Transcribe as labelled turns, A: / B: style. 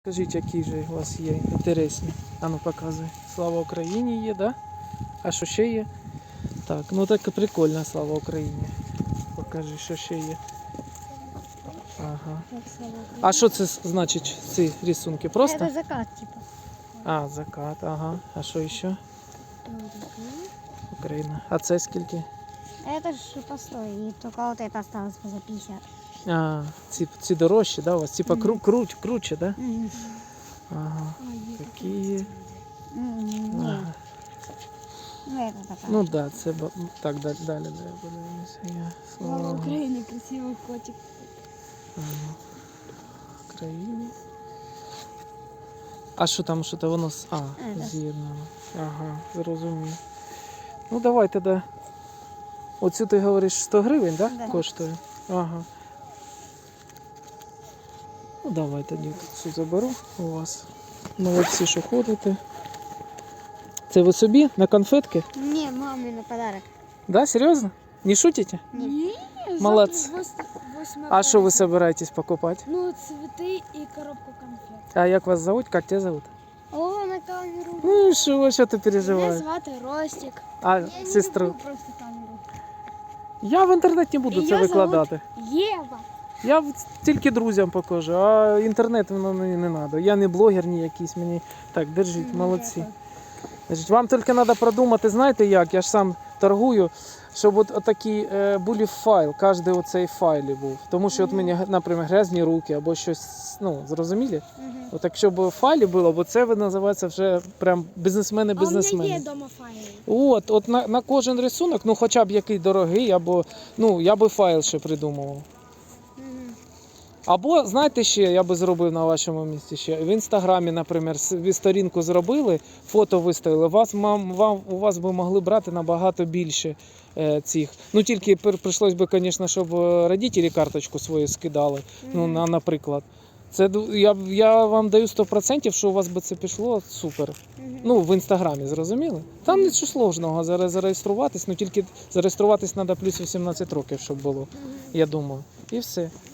A: Скажіть, які ж у вас є інтересні? Ану, показуй. Слава Україні є, да? А що ще є? Так, ну так прикольно, слава Україні. Покажи, що ще є. Ага. А що це значить, ці рисунки? Просто?
B: Это закат, типа.
A: А, закат, ага. А що ще? Україна. А це скільки?
B: Это ж постой, и только вот это осталось за 50.
A: А, ці дорожчі, да, у вас? Типа круче, да? Ага. Такі. Ага.
B: Ну, это такая.
A: Ну да, це так далі подивимося.
C: Слава Україні, красивий котик.
A: Ага. Україні. А що там, що то воно
B: да.
A: з'єднано. Ага, зрозумів. Ну давай тоді. Оцю ти говориш 100 гривень, да?
B: Да.
A: Коштує? Ага. Ну давай тоді тут цю заберу у вас. Молодці, що ходите. Це ви собі на конфетки?
B: Не, маме на подарок.
A: Да, серйозно? Не шутите?
C: Ні,
A: Молодці. А що ви собираєтесь покупати?
C: Ну, цвіти і коробку конфет.
A: А як вас зовут? Як тебе зовут?
B: О, на камеру.
A: Ну і що ти
C: Мене
A: переживаєш?
C: звати Ростик.
A: А
C: Я не
A: сестру?
C: люблю просто камеру.
A: Я в інтернеті не буду
C: І
A: це
C: я
A: викладати.
C: Єва.
A: Я тільки друзям покажу, а інтернет воно мені не треба. Я не блогер ні якийсь, мені так, держіть, молодці. Держіть. Вам тільки треба продумати, знаєте як, я ж сам торгую, щоб от такий був файл, кожен оцей файлі був. Тому що от мені, наприклад, грязні руки або щось, ну, зрозуміли? От якщо б в файлі було, бо це називається вже прям бізнесмени-бізнесмени.
C: А у мене є дома файли.
A: От на кожен рисунок, ну хоча б який дорогий, або, ну, я би файл ще придумував. Або, знаєте ще, я би зробив на вашому місці ще, в інстаграмі, наприклад, ви сторінку зробили, фото виставили, у вас би могли брати набагато більше цих. Ну тільки прийшлось би, звісно, щоб родителі карточку свою скидали, ну, наприклад. Це, я вам даю 100%, що у вас би це пішло супер. Ну, в інстаграмі, зрозуміли? Там нічого сложного, зареєструватись, ну тільки зареєструватись треба плюс 18 років, щоб було, я думаю. І все.